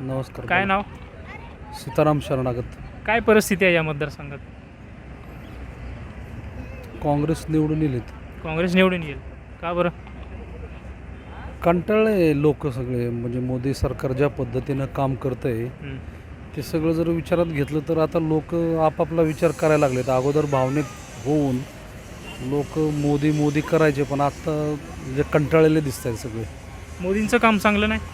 नमस्कार. काय नाव? सीताराम शरणागत. काय परिस्थिती आहे या मतदारसंघात? काँग्रेस निवडून येलेत. काँग्रेस निवडून येईल. का बरं? कंटाळले लोक सगळे, म्हणजे मोदी सरकार ज्या पद्धतीनं काम करतं आहे हं. ते सगळं जर विचारात घेतलं तर आता लोक आपापला विचार करायला लागलेत. अगोदर भावनिक होऊन लोक मोदी मोदी करायचे, पण आता म्हणजे कंटाळलेले दिसत आहेत सगळे. मोदींचं काम चांगलं नाही?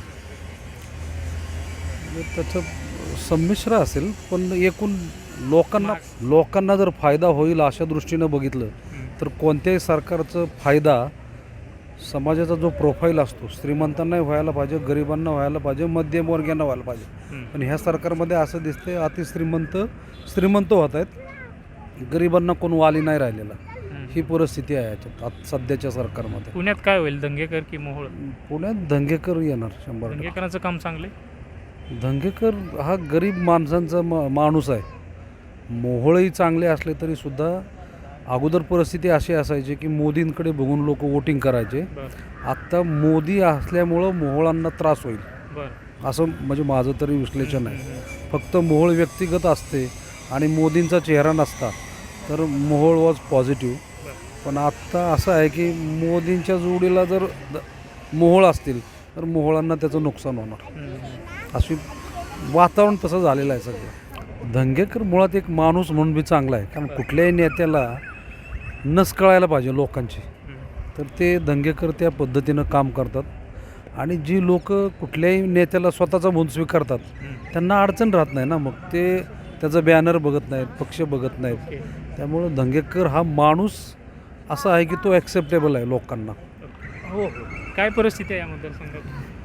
म्हणजे त्याचं संमिश्र असेल, पण एकूण लोकांना जर फायदा होईल अशा दृष्टीनं बघितलं तर कोणत्याही सरकारचा फायदा समाजाचा जो प्रोफाईल असतो, श्रीमंतांनाही व्हायला पाहिजे, गरिबांना व्हायला पाहिजे, मध्यमवर्गीयांना व्हायला पाहिजे. पण ह्या सरकारमध्ये असं दिसतंय श्रीमंत होत आहेत, गरिबांना कोण वाली नाही राहिलेला. ही परिस्थिती आहे याच्यात सध्याच्या सरकारमध्ये. पुण्यात काय होईल? दंगेकर की मोहोळ? पुण्यात दंगेकर येणार 100%. दंगेकरांचं काम चांगलं आहे? दंगेकर हा गरीब माणसांचा माणूस आहे. मोहोळही चांगले असले तरी सुद्धा अगोदर परिस्थिती अशी असायची की मोदींकडे बघून लोक वोटिंग करायचे. आत्ता मोदी असल्यामुळं मोहोळांना त्रास होईल असं म्हणजे माझं तरी विश्लेषण आहे. फक्त मोहोळ व्यक्तिगत असते आणि मोदींचा चेहरा नसता तर मोहोळ वॉज पॉझिटिव्ह. पण आत्ता असं आहे की मोदींच्या जोडीला जर मोहोळ असतील तर मोहोळांना त्याचं नुकसान होणार. अशी वातावरण तसं झालेलं आहे सगळं. दंगेकर मुळात एक माणूस म्हणून बी चांगला आहे, कारण कुठल्याही नेत्याला नस कळायला पाहिजे लोकांची, तर ते दंगेकर त्या पद्धतीनं काम करतात. आणि जी लोक कुठल्याही नेत्याला स्वतःचा म्हणून स्वीकारतात त्यांना अडचण राहत नाही ना. मग ते त्याचं बॅनर बघत नाहीत, पक्ष बघत नाहीत. त्यामुळं दंगेकर हा माणूस असा आहे की तो ॲक्सेप्टेबल आहे लोकांना. हो हो. काय परिस्थिती आहे या मतदारसंघात?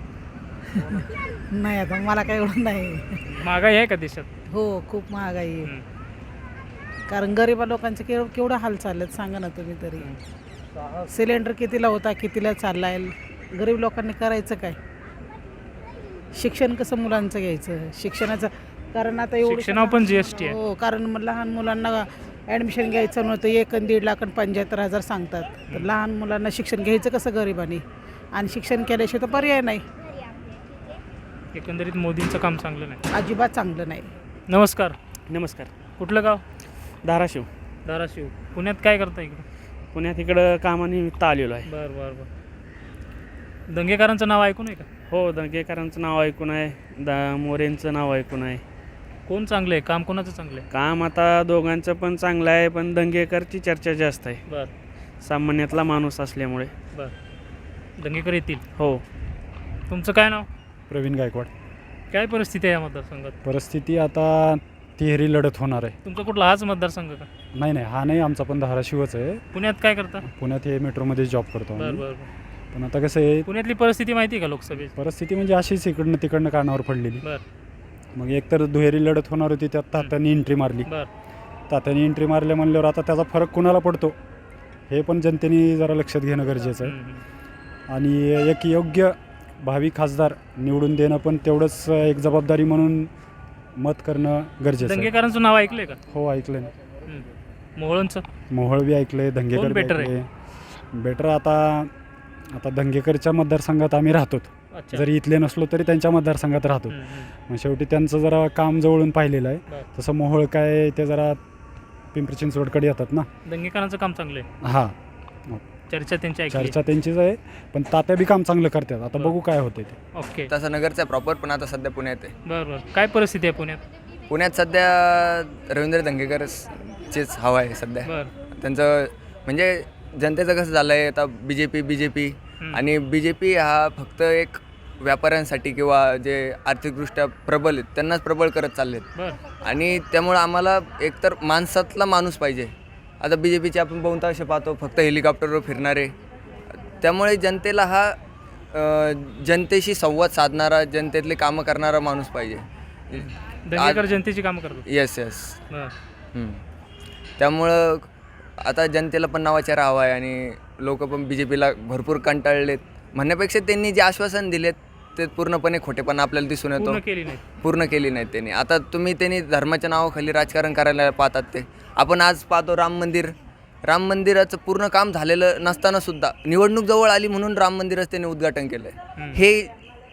नाही, आता मला काही एवढं नाही. महागाई आहे का देशात? हो, खूप महागाई आहे. कारण गरिबा लोकांचे केवढं हाल चाललेत सांगा ना तुम्ही तरी. सिलेंडर कितीला होता, कितीला चालला आहे, गरीब लोकांनी करायचं काय? शिक्षण कसं मुलांचं घ्यायचं? शिक्षणाचं कारण आता शिक्षणावर पण GST आहे. हो, कारण मग लहान मुलांना ॲडमिशन घ्यायचं नव्हतं, 1 आणि 1.5 लाख आणि 75,000 सांगतात. तर लहान मुलांना शिक्षण घ्यायचं कसं गरिबांनी? आणि शिक्षण केल्याशिवाय तर पर्याय नाही. एकंदरीत मोदींचं काम चांगलं नाही? अजिबात चांगलं नाही. नमस्कार. नमस्कार. कुठलं गाव? धाराशिव. धाराशिव. पुण्यात काय करता इकडं? पुण्यात इकडं कामानिमित्त आलेलो आहे. बरं बरं बरं. दंगेकरांचं नाव ऐकून आहे का? हो, दंगेकरांचं नाव ऐकून आहे, मोरेंचं नाव ऐकून आहे. कोण चांगलं आहे? काम कोणाचं चांगलं आहे? काम आता दोघांचं पण चांगलं आहे, पण दंगेकरची चर्चा जास्त आहे, बरं सामान्यातला माणूस असल्यामुळे. बरं. दंगेकर येतील? हो. तुमचं काय नाव? प्रवीण गायकवाड. काय परिस्थिती आहे या मतदारसंघात? परिस्थिती आता तिहेरी लढत होणार आहे. तुमचा कुठला हाच मतदारसंघ का? नाही, हा नाही, आमचा पण धाराशिवच आहे. पुण्यात काय करता? पुण्यात हे मेट्रोमध्ये जॉब करतो बरं आम्ही. बरं बरं. पण आता कसं आहे, पुण्यातली परिस्थिती माहिती आहे का लोकसभेची? परिस्थिती म्हणजे अशीच इकडनं तिकडनं कानावर पडलेली. बरं मग एकतर दुहेरी लढत होणार होती, त्यात तात्याने एंट्री मारली. बरं. तात्याने एंट्री मारल्या म्हणल्यावर आता त्याचा फरक कुणाला पडतो हे पण जनतेने जरा लक्षात घेणं गरजेचं आहे. आणि एक योग्य भावी खासदार निवडून देणं पण तेवढंच एक जबाबदारी म्हणून मत करणं गरजेचं आहे. दंगेकरांचं नाव ऐकलंय का? हो, ऐकलं ना. मोहोळांचं? मोहोळ बी ऐकले, दंगेकर बी better ऐकले. बेटर आता दंगेकरच्या मतदारसंघात आम्ही राहतो. अच्छा. जरी इथले नसलो तरी त्यांच्या मतदारसंघात राहतो. मग शेवटी त्यांचं जरा काम जवळून पाहिलेलं आहे. बरं. तसं मोहोळ काय ते जरा पिंपरी चिंचवडकडे येतात ना. दंगेकरांचं काम चांगलं आहे? हां, चर्चा त्यांची ऐकली? चर्चा त्यांचीच आहे, पण तात्या बी काम चांगलं करतात. आता बरं. बघू काय होते ते. ओके. तसा नगरचा आहे प्रॉपर, पण आता सध्या पुण्यात आहे. बरं बरं. काय परिस्थिती आहे पुण्यात? पुण्यात सध्या रवींद्र दंगेकरचीच हवा आहे सध्या. बरं. त्यांचं म्हणजे जनतेचं कसं झालं आहे आता बीजेपी आणि बीजेपी हा फक्त एक व्यापाऱ्यांसाठी किंवा जे आर्थिकदृष्ट्या प्रबल आहेत त्यांनाच प्रबळ करत चाललेत. बरं. आणि त्यामुळं आम्हाला एकतर माणसातला माणूस पाहिजे. आता बीजेपीचे आपण बहुतांश पाहतो फक्त हेलिकॉप्टरवर फिरणारे. त्यामुळे जनतेला हा जनतेशी संवाद साधणारा, जनतेतले कामं करणारा माणूस पाहिजे. दंगेकर जनतेची कामं करतो? येस. बरं. त्यामुळं आता जनतेला पण नावाचा हवा आहे आणि लोक पण बीजेपीला भरपूर कंटाळलेत. म्हणण्यापेक्षा त्यांनी जे आश्वासन दिलेत ते पूर्णपणे खोटेपणा आपल्याला दिसून येतो. पूर्ण केली नाहीत त्यांनी. आता त्यांनी धर्माच्या नावाखाली राजकारण करायला पाहतात. ते आपण आज पाहतो राम मंदिराचं पूर्ण काम झालेलं नसताना सुद्धा निवडणूक जवळ आली म्हणून राम मंदिराचं त्यांनी उद्घाटन केलं आहे. हे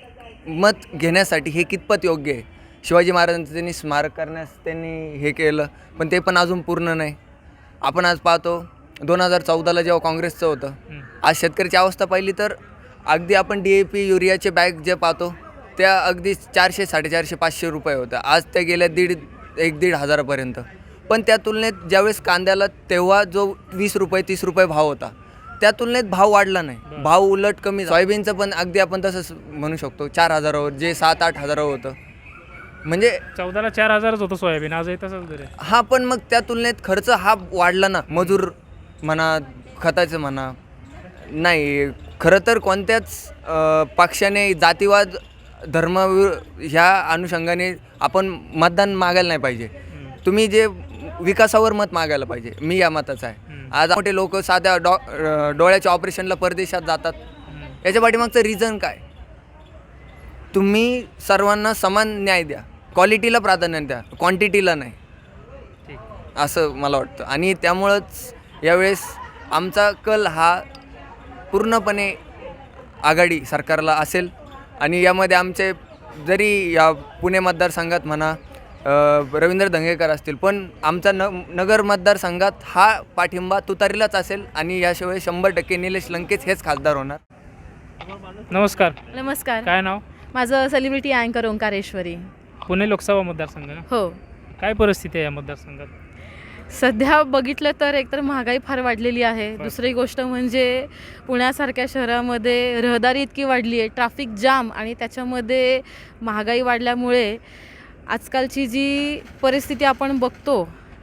मत घेण्यासाठी हे कितपत योग्य आहे? शिवाजी महाराजांचं त्यांनी स्मारक करण्यास त्यांनी हे केलं, पण ते पण अजून पूर्ण नाही. आपण आज पाहतो 2014ला जेव्हा काँग्रेसचं होतं, आज शेतकऱ्याची अवस्था पाहिली तर अगदी आपण DAP युरियाचे बॅग जे पाहतो त्या अगदी 400, 450, 500 रुपये होत्या. आज त्या गेल्या 1,500 हजारापर्यंत. पण त्या तुलनेत ज्यावेळेस कांद्याला तेव्हा जो 20 रुपये 30 रुपये भाव होता, त्या तुलनेत भाव वाढला नाही, भाव उलट कमी. सोयाबीनचं पण अगदी आपण तसंच म्हणू शकतो 4,000वर जे 7-8 हजारावर होतं. म्हणजे 14ला 4,000च होतं सोयाबीन, आजही तसंच दर आहे. हा, पण मग त्या तुलनेत खर्च हा वाढला ना, मजूर म्हणा, खताचं म्हणा. नाही, खरं तर कोणत्याच पक्षाने जातीवाद धर्म ह्या अनुषंगाने आपण मतदान मागायला नाही पाहिजे. तुम्ही जे विकासावर मत मागायला पाहिजे, मी या मताचा आहे. आज मोठे लोक साध्या डोळ्याच्या ऑपरेशनला परदेशात जातात, याच्या पाठीमागचं रिझन काय? तुम्ही सर्वांना समान न्याय द्या, क्वालिटीला प्राधान्य द्या, क्वांटिटीला नाही, असं मला वाटतं. आणि त्यामुळंच यावेळेस आमचा कल हा पूर्णपणे आघाडी सरकारला असेल. आणि यामध्ये आमचे जरी या पुणे मतदारसंघात म्हणा रवींद्र धंगेकर असतील, पण आमचा नगर मतदारसंघात हा पाठिंबा तुतारीलाच असेल. आणि याशिवाय 100% निलेश लंकेच हेच खासदार होणार. नमस्कार, नमस्कार. काय नाव? माझं सेलिब्रिटी अँकर ओंकारेश्वरी. पुणे लोकसभा मतदारसंघ ना? हो. काय परिस्थिती आहे या मतदारसंघात? सध्या बघितलं तर एकतर महागाई फार वाढलेली आहे. दुसरी गोष्ट म्हणजे पुण्यासारख्या शहरामध्ये रहदारी इतकी वाढली आहे, ट्रॅफिक जाम, आणि त्याच्यामध्ये महागाई वाढल्यामुळे आजकालची जी परिस्थिती आपण बघतो,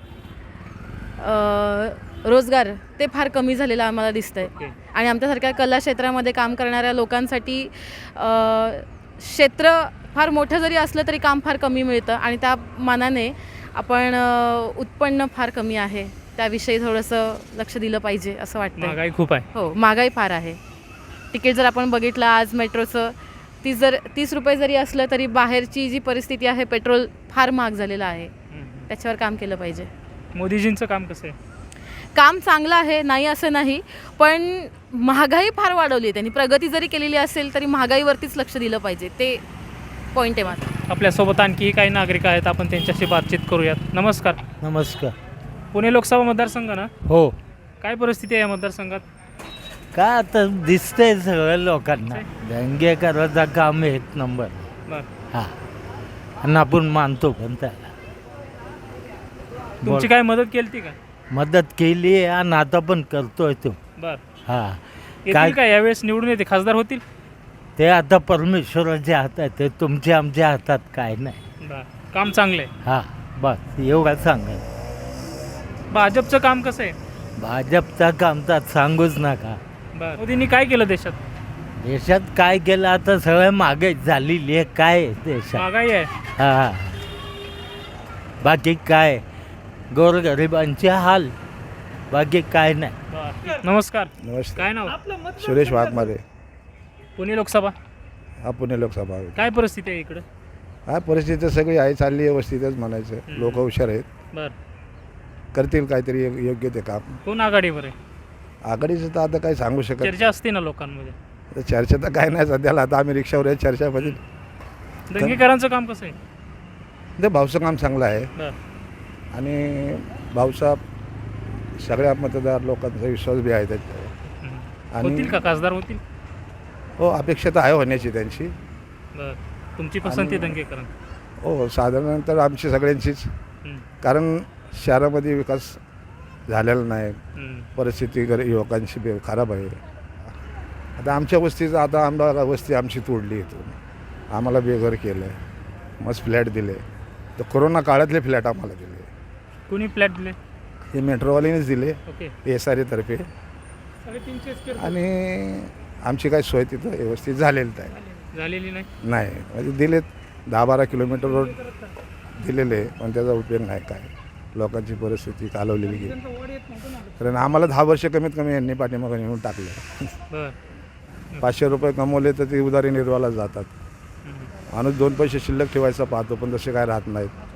रोजगार ते फार कमी झालेलं आम्हाला दिसतं आहे. आणि आमच्यासारख्या कला क्षेत्रामध्ये काम करणाऱ्या लोकांसाठी क्षेत्र फार मोठं जरी असलं तरी काम फार कमी मिळतं, आणि त्या मानाने आपण उत्पन्न फार कमी आहे. त्याविषयी थोडंसं लक्ष दिलं पाहिजे असं वाटतं. महागाई खूप आहे. हो, महागाई फार आहे. तिकीट जर आपण बघितलं आज मेट्रोचं 30 रुपये जरी असलं तरी बाहेरची जी परिस्थिती आहे, पेट्रोल फार महाग झालेलं आहे. त्याच्यावर काम केलं पाहिजे. मोदीजींचं काम कसं आहे? काम चांगलं आहे, नाही असं नाही, पण महागाई फार वाढवली आहे त्यांनी. प्रगती जरी केलेली असेल तरी महागाईवरतीच लक्ष दिलं पाहिजे, ते पॉईंट आहे माझा. आपल्यासोबत आणखी काही नागरिक आहेत, आपण त्यांच्याशी बातचीत करूयात. नमस्कार. नमस्कार. पुणे लोकसभा मतदारसंघ ना? हो. काय परिस्थिती आहे या मतदारसंघात? काय आता दिसतंय सगळ्या लोकांना, दंगेकरांचा काम 1 नंबर. बरं. हां, आणि आपण मानतो पण त्याला. तुमची काय मदत केली ती का? मदत केली आहे आणि आता पण करतोय तो. बरं. हां, येतील का यावेळेस निवडून येते, खासदार होतील? ते आता परमेश्वराच्या हातात आहे, ते आमच्या हातात काय नाही. बरं. काम चांगलं आहे. हां, बस एवढं सांगा. भाजपचं काम कसं आहे? भाजपचा काम तर सांगूच नका. बरं. मोदींनी काय केलं देशात? देशात काय केलं, आता सगळं महागाई झालेली आहे. काय आहे देशात? महागाई आहे. हां, बाकी काय गोरगरिबांचे हाल, बाकी काय नाही. बरं. नमस्कार. नमस्ते. काय नाव? सुरेश वाघमारे. पुणे लोकसभा. हा, पुणे लोकसभा आहे. काय परिस्थिती आहे इकडं? हा, परिस्थिती सगळी आहे, चालली व्यवस्थितच म्हणायचं. लोक हुशार आहेत, बरं. करतील काहीतरी योग्य ते काम. कोण आघाडीवर आहे? आघाडीचं तर आता काही सांगू शकत चर्चा असते ना लोकांमध्ये. नाही. चर्चा तर काय नाही सध्याला. आता आम्ही रिक्षावर आहे, चर्चामध्ये. दंगेकरांचं काम कसं आहे? ते भाऊचं काम चांगलं आहे, बरं. आणि भाऊचा सगळ्या मतदार लोकांचा विश्वास बी आहे त्याच्यावर. होतील का खासदार होतील? हो, अपेक्षा तर आहे होण्याची त्यांची. बरं. तुमची पसंती दंगेकर? हो, साधारणतः आमची सगळ्यांचीच. कारण शहरामध्ये विकास झालेला नाही, परिस्थिती युवकांची खराब आहे. आता आमच्या वस्तीचं, आता आम्हाला वस्ती आमची तोडली इथून, आम्हाला बेघर केलं आहे, मस्त फ्लॅट दिले. तर कोरोना काळातले फ्लॅट आम्हाला दिले. कुणी फ्लॅट दिले? हे मेट्रोवाल्यानेच दिले, ओके. SRA तर्फे. आणि आमची काय सोय तिथं व्यवस्थित झालेली झालेली नाही. म्हणजे दिलेत 10-12 किलोमीटर रोड दिलेले, पण त्याचा उपयोग नाही. काय लोकांची परिस्थिती कालवलेली गेली. कारण आम्हाला 10 वर्ष कमीत कमी यांनी पाठीमागं नेऊन टाकलं. बरं. 500 रुपये कमवले तर ते उदारी निर्वाहाला जातात. माणूस 2 पैसे शिल्लक ठेवायचा पाहतो, पण तसे काय राहत नाहीत.